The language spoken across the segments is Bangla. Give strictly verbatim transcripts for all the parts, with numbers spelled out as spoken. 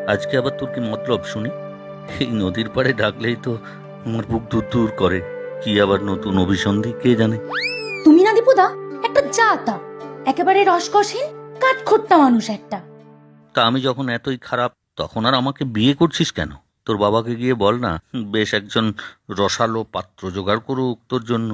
আজকে আবার তোর কি মতলব শুনি? এই নদীর পাড়ে ডাকলেই তো আমার বুক দূর দূর করে। কি আবার নতুন অভিসন্ধি কে জানে? তুমি না দীপুদা একটা জাতা, একেবারে রসকসহীন কাঠখোট্টা মানুষ একটা। তা আমি যখন এতই খারাপ তখন আর আমাকে বিয়ে করছিস কেন? তোর বাবাকে গিয়ে বল না, বেশ একজন রসালো পাত্র জোগাড় করুক তোর জন্য।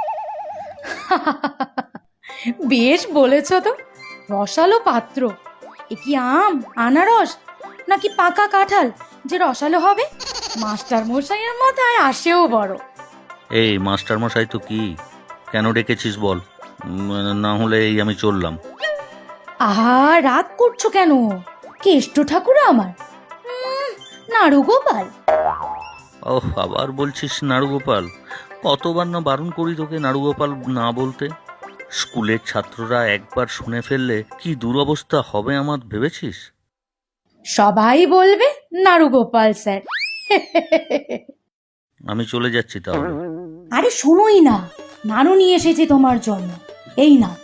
বেশ বলেছ তো, রসালো পাত্র। এ কি আম, আনারস নাকি পাকা কাঁঠাল যে রসালো হবে? মাস্টার মশাইয়ের মাথায় আসেও বড়। এই মাস্টার মশাই তো কি, কেন ডেকেছিস বল? উম, না হলে এই আমি চললাম। আহা, রাগ করছো কেন? কেষ্ট ঠাকুর আমার, উম, নাড়ু গোপাল। ওহ, আবার বলছিস নাড়ুগোপাল? কতবার না বারণ করি তোকে নাড়ুগোপাল না বলতে। স্কুলের ছাত্ররা একবার শুনে ফেললে কি দুরবস্থা হবে আমার ভেবেছিস? সবাই বলবে নাড়ু গোপাল স্যার। আমি চলে যাচ্ছি তাহলে। আরে শোনোই না, নাড়ু নিয়ে এসেছি তোমার জন্য, এই না,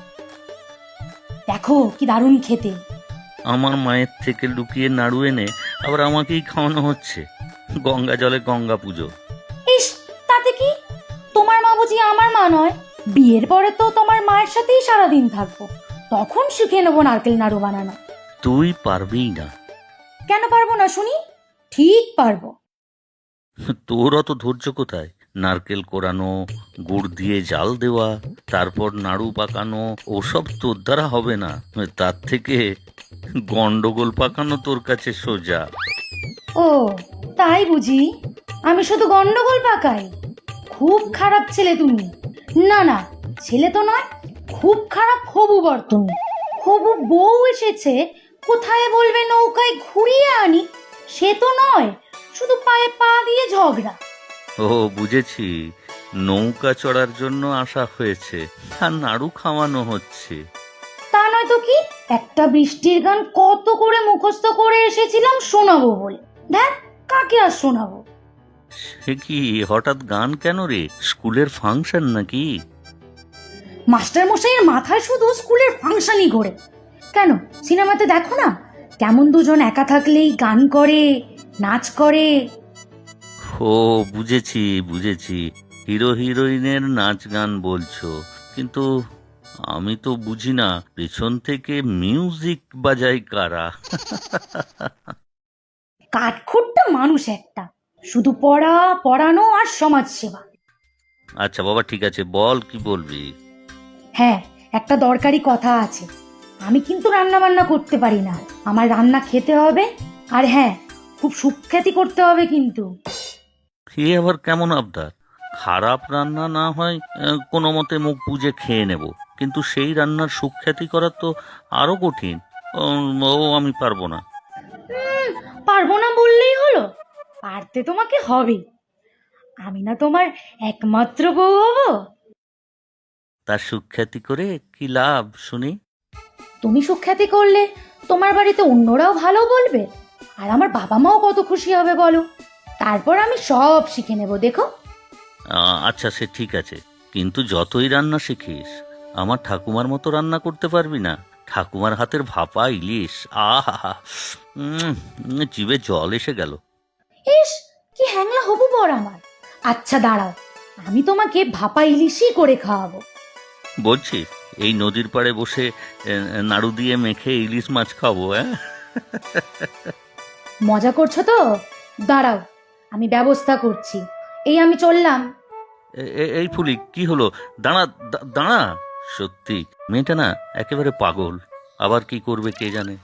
দেখো কি দারুণ খেতে। আমার মায়ের থেকে লুকিয়ে নাড়ু এনে আবার আমাকেই খাওয়ানো হচ্ছে। গঙ্গা জলে গঙ্গা পুজো। ইস, তাতে কি? তোমার মা বুঝি আমার মা নয়? বিয়ের পরে তো তোমার মায়ের সাথেই সারাদিন থাকবো, তখন শিখে নেবো নারকেল নাড়ু বানানো। তুই পারবিই না। কেন পারবো না শুনি? ঠিক পারবো। তোর অত ধৈর্য কোথায়? নারকেল কোরানো, গুড় দিয়ে জাল দেওয়া, তারপর নাড়ু পাকানো, ওসব তোর দ্বারা হবে না। তার থেকে গন্ডগোল পাকানো তোর কাছে সোজা। ও তাই বুঝি? আমি শুধু গন্ডগোল পাকাই? খুব খারাপ ছেলে তুমি। না না, ছেলে তো নয়, খুব খারাপ হবু বর তুমি। হবু বউ এসেছে, কোথায় বলবে নৌকায় ঘুরিয়ে আনি, সে তো নয়, শুধু পায়ে পা দিয়ে ঝগড়া। ও বুঝেছি, নৌকা চড়ার জন্য আসা হয়েছে আর নাড়ু খাওয়ানো হচ্ছে। তা নয় তো কি, একটা বৃষ্টির গান কত করে মুখস্থ করে এসেছিলাম শোনাবো বলে, দেখ কাকে আর শোনাবো। সে কি হঠাৎ গান কেন রে? স্কুলের ফাংশন নাকি? মাস্টার মশাইয়ের মাথায় শুধু স্কুলের ফাংশনই ঘোরে। কেন, সিনেমাতে দেখো না কেমন দুজন একা থাকলেই গান করে, নাচ করে। ও বুঝেছি বুঝেছি, হিরো হিরোইনের নাচ গান বলছো, কিন্তু আমি তো বুঝি না পেছন থেকে মিউজিক বাজায় কারা। কাঠখোট্টা মানুষ একটা, শুধু পড়া, পড়ানো আর সমাজ সেবা। আচ্ছা বাবা, ঠিক আছে, বল কি বলবি। হ্যাঁ, একটা দরকারি কথা আছে। আমি কিন্তু রান্না বান্না করতে পারি না, আমার রান্না খেতে হবে। আর হ্যাঁ, খুব সুখ্যাতি করতে হবে কিন্তু। এ আবার কেমন আবদার? খারাপ রান্না না হয় আহ, কোনো মতে মুখ বুজে খেয়ে নেব, কিন্তু সেই রান্নার সুখ্যাতি করা তো আরো কঠিন। উম, ও আমি পারবো না। উম, পারবো না বললেই হলো? পারতে তোমাকে হবে। আমি না তোমার একমাত্র বউ হবো। তার সুখ্যাতি করে কি লাভ শুনি? তুমি সুখ্যাতি করলে তোমার বাড়িতে অন্যরাও ভালো বলবে, আর আমার বাবা মাও কত খুশি হবে বলো। তারপর আমি সব শিখে নেব, দেখো। আহ, আচ্ছা সে ঠিক আছে, কিন্তু যতই রান্না শিখিস আমার ঠাকুমার মতো রান্না করতে পারবি না। ঠাকুমার হাতের ভাপা ইলিশ, আহা, উম, জিভে জল এসে গেল। ইস, কি হ্যাংলা হবু বর আমার। আচ্ছা দাঁড়াও, আমি তোমাকে ভাপা ইলিশই করে খাওয়াবো। বলছিস এই নদীর পাড়ে বসে এ, নাড়ু দিয়ে মেখে ইলিশ মাছ খাবো? হ্যাঁ, মজা করছো তো? দাঁড়াও, আমি ব্যবস্থা করছি। এই আমি চললাম। এ- এ- এই ফুলি কি হলো? দাঁড়া দা- দাঁড়া। সত্যি মেয়েটা না একেবারে পাগল, আবার কি করবে কে জানে।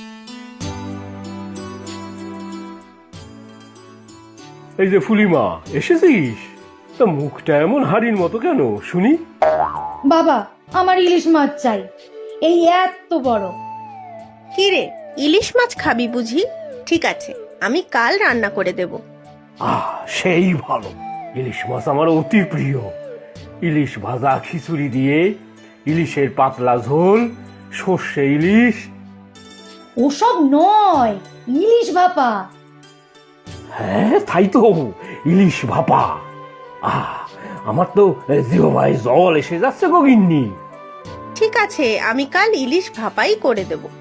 এই যে ফুলিমা, এসেছিস? তা মুখটা এমন হাড়ির মতো কেন শুনি? বাবা, আমার ইলিশ মাছ চাই, এই এত বড়। কি রে, ইলিশ মাছ খাবি বুঝি? ঠিক আছে, আমি কাল রান্না করে দেব। আহ, সেই ভালো। ইলিশ মাছ আমার অতি প্রিয়। ইলিশ ভাজা খিচুড়ি দিয়ে, ইলিশের পাতলা ঝোল, সর্ষে ইলিশ। ওসব নয়, ইলিশ ভাপা। হ্যাঁ তাই তো, ইলিশ ভাপা। আহ, আমার তো জিহ্বায় জল এসে যাচ্ছে গো গিন্নি। ঠিক আছে, আমি কাল ইলিশ ভাপাই করে দেব।